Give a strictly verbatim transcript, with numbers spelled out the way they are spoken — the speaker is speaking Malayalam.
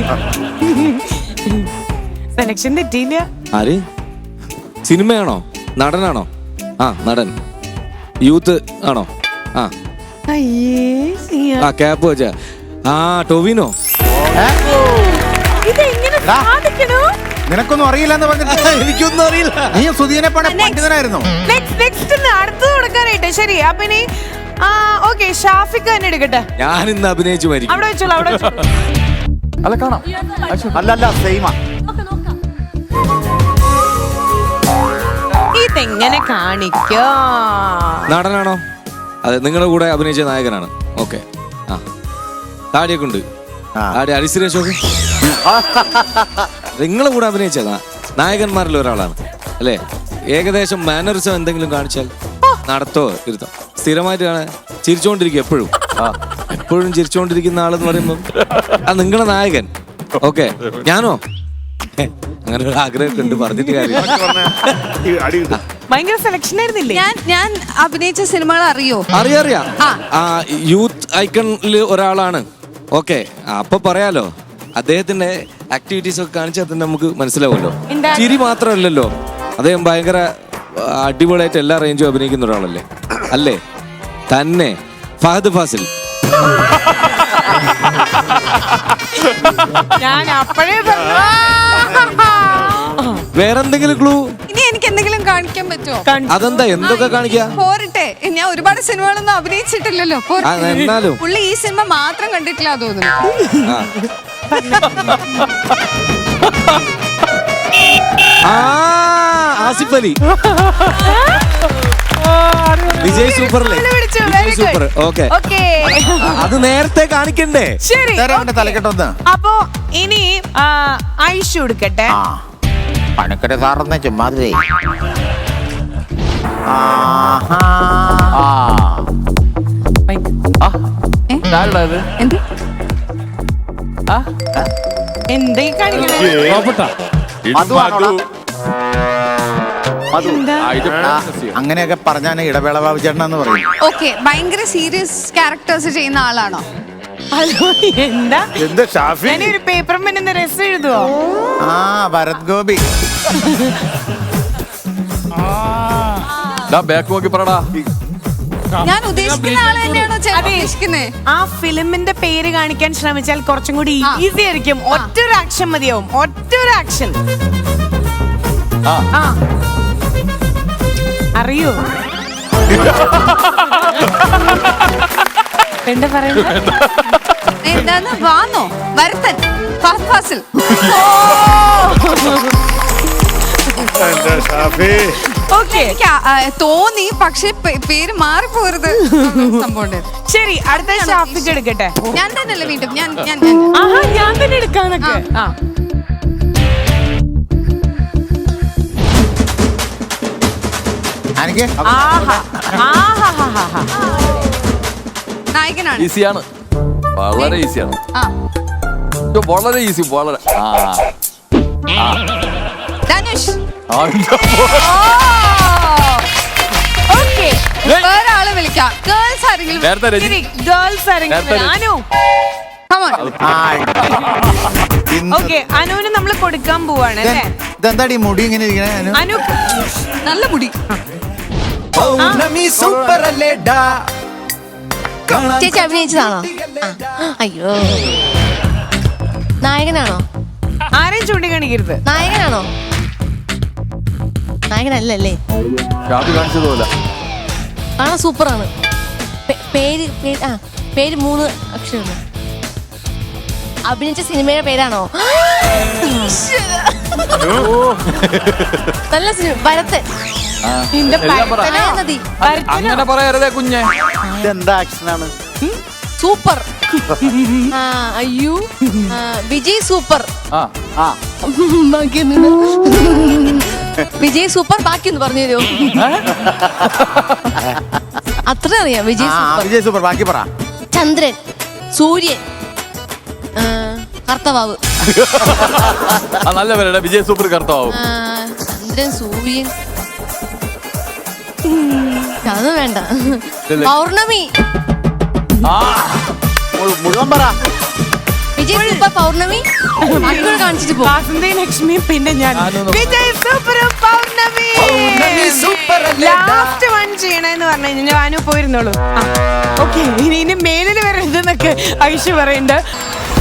സെലക്ഷൻ തെറ്റിയില്ല. ആര്? സിനിമയാണോ നടനാണോ? ആ നടൻ. യൂത്ത് ആണോ? ആ ആ ക്യാപ്പ് വെച്ച ആ ടൊവിനോ. നിനക്കൊന്നും അറിയില്ലെന്ന് പറഞ്ഞിട്ട് എനിക്കൊന്നും അറിയില്ല. നീ സുധീനെ പണ പണ്ഡിതനായിരുന്നു. അടുത്ത് കൊടുക്കാനായിട്ട്. ശരി അപ്പൊ ഇനി ഓക്കെ ഷാഫിക്ക് തന്നെ എടുക്കട്ടെ. ഞാൻ ഇന്ന് അഭിനയിച്ചു മരിക്കും. അവിടെ വെച്ചോളൂ അവിടെ വെച്ചോളൂ. അല്ല കാണാം. അല്ലല്ല സെയിമാ. ഇതെങ്ങനെ കാണിക്കോ? നടനാണോ? അതെ നിങ്ങളുടെ കൂടെ അഭിനയിച്ച നായകനാണ്. ഓക്കെ. ആ താടിയൊക്കെ ഉണ്ട്. താടി അരിസുരേഷൊക്കെ നിങ്ങളെ കൂടെ അഭിനയിച്ച നായകന്മാരിൽ ഒരാളാണ് അല്ലേ? ഏകദേശം മാനറിസം എന്തെങ്കിലും കാണിച്ചാൽ നടത്തോ ഇരുത്തോ? സ്ഥിരമായിട്ട് കാണാൻ ചിരിച്ചോണ്ടിരിക്കും എപ്പോഴും. എപ്പോഴും ചിരിച്ചോണ്ടിരിക്കുന്ന ആളെന്ന് പറയുമ്പോൾ ആ നിങ്ങളെ നായകൻ. ഓക്കെ. ഞാനോ? അങ്ങനെ ഒരു ആഗ്രഹമൊക്കെ ഉണ്ട്, പറഞ്ഞിട്ട് കാര്യം. ഭയങ്കര സെലക്ഷൻ ആയിരുന്നില്ലേ? ഞാൻ ഞാൻ അഭിനയിച്ച സിനിമകൾ അറിയോ? അറിയാം. ആ യൂത്ത് ഐക്കണില് ഒരാളാണ്. ഓക്കെ. അപ്പൊ പറയാലോ അദ്ദേഹത്തിന്റെ ആക്ടിവിറ്റീസ് ഒക്കെ കാണിച്ചാൽ തന്നെ നമുക്ക് മനസ്സിലാവുമല്ലോ. ചിരി മാത്രമല്ലല്ലോ, അദ്ദേഹം ഭയങ്കര അടിപൊളിയായിട്ട് എല്ലാ റേഞ്ചും അഭിനയിക്കുന്ന ഒരാളല്ലേ അല്ലേ? തന്നെ ഫഹദ് ഫാസിൽ. ഞാൻ അപ്പോഴേ വേറെന്തെങ്കിലും ക്ലൂ? ഇനി എനിക്ക് എന്തെങ്കിലും കാണിക്കാൻ പറ്റുമോ? അതെന്താ? എന്തൊക്കെ കാണിക്കാ? പോരട്ടെ, ഞാൻ ഒരുപാട് സിനിമകളൊന്നും അഭിനയിച്ചിട്ടില്ലല്ലോ. എന്നാലും പുള്ളി ഈ സിനിമ മാത്രം കണ്ടിട്ടില്ല തോന്നുന്നു. ആസിഫ് അലി. വിജയ് സൂപ്പറല്ലേ? വിജയ് സൂപ്പർ. ഓക്കെ. അത് നേരത്തെ കാണിക്കണ്ടേ? ശരി. തലക്കെട്ടൊന്ന്. അപ്പൊ ഇനി ഐഷു എടുക്കട്ടെ. പണക്കര സാറെന്ന ചുമ്മാതിരേ. എന്തേ കാണിക്കണേ? അങ്ങനെയൊക്കെ പറഞ്ഞാൽ ഇടവേള ബാബു ചേട്ടനെന്ന് പറയും. ഓക്കെ. ഭയങ്കര സീരിയസ് ക്യാരക്ടേഴ്സ് ചെയ്യുന്ന ആളാണോ? ഹലോ എന്താ എന്താ ഷാഫി? ഞാനൊരു പേപ്പർ പെണ്ണിന്റെ രസം എഴുതുവോ? ആ ഭരത് ഗോപി. ബാക്ക് നോക്കി പറടാ. ഞാൻ ഉദ്ദേശിക്കുന്ന ആള് തന്നെയാണോ ഉദ്ദേശിക്കുന്നത്? ആ ഫിലിമിന്റെ പേര് കാണിക്കാൻ ശ്രമിച്ചാൽ കുറച്ചും കൂടി ഈസി ആയിരിക്കും. ഒറ്റൊരു ആക്ഷൻ മതിയാവും. ഒറ്റൊരു ആക്ഷൻ. അറിയോ എന്താ പറയുന്നത്? എന്താന്ന് വാന്നോ? ഭരതൻ ഫഹദ് ഫാസിൽ. തോന്നി, പക്ഷെ പേര് മാറിപ്പോരുത്. ശരി അടുത്ത ഷാഫിക്ക് എടുക്കട്ടെ. ഞാൻ തന്നെയല്ലേ വീണ്ടും? ഞാൻ ഞാൻ ഞാൻ തന്നെ എടുക്കാന്നൊക്കെ. നായകനാണ്. ഈസിയാണ്, വളരെ ഈസിയാണ്. വളരെ ഈസി. വളരെ ധനുഷ്. വേറെ ആള് വിളിക്കാം. ഗേൾസ് ആരെങ്കിലും? ഗേൾസ് ആരെങ്കിലും? അനു. ഓക്കെ. അനുവിന് നമ്മൾ കൊടുക്കാൻ പോവാണ് അല്ലേ? ഇതെന്താടി മുടി ഇങ്ങനെ ഇരിക്കണേ? അനു നല്ല മുടി. ചേച്ചി അഭിനയിച്ചതാണോ? അയ്യോ, നായകനാണോ? ആരെയും ചൂണ്ടിക്കാണിക്കരുത്. നായകനാണോ? നായകനല്ലേ? കാണിച്ചതുപോലെ കാണാൻ സൂപ്പറാണ്. പേര് ആ പേര് മൂന്ന് അക്ഷരമാണ്. അഭിനയിച്ച സിനിമയുടെ പേരാണോ? നല്ല സിനിമ. ഭരതൻ. അങ്ങനെ പറയരുതേ കുഞ്ഞെ. ഇതെന്താ ആക്ഷനാണ്? സൂപ്പർ. അയ്യോ, വിജയ് സൂപ്പർ. വിജയ് സൂപ്പർ. ബാക്കി ഒന്ന് പറഞ്ഞു തരുമോ? അത്ര അറിയാം. വിജയ് സൂപ്പർ. വിജയ് സൂപ്പർ. ബാക്കി പറ. ചന്ദ്രൻ, സൂര്യൻ, കർത്തവാവ്. നല്ല പേരാ വിജയ് സൂപ്പർ. കർത്തവാവ്. ചന്ദ്രൻ, സൂര്യൻ. അത് വേണ്ട. പൗർണമി. മുഴുവൻ പറ. വിജയ് സൂപ്പർ പൗർണമി മക്കൾ കാണിച്ചിട്ട് പോകും. വാസന്തി ലക്ഷ്മി പിന്നെ ഞാൻ ഞാനൊന്ന് Vijay super Pournami last one ചെയ്യണെന്ന് പറഞ്ഞു കഴിഞ്ഞാൽ ഞാനും പോയിരുന്നോളൂ. ഓക്കെ ഇനി ഇനി മേലിൽ വരരുതെന്നൊക്കെ ഐഷു പറയുന്നുണ്ട്.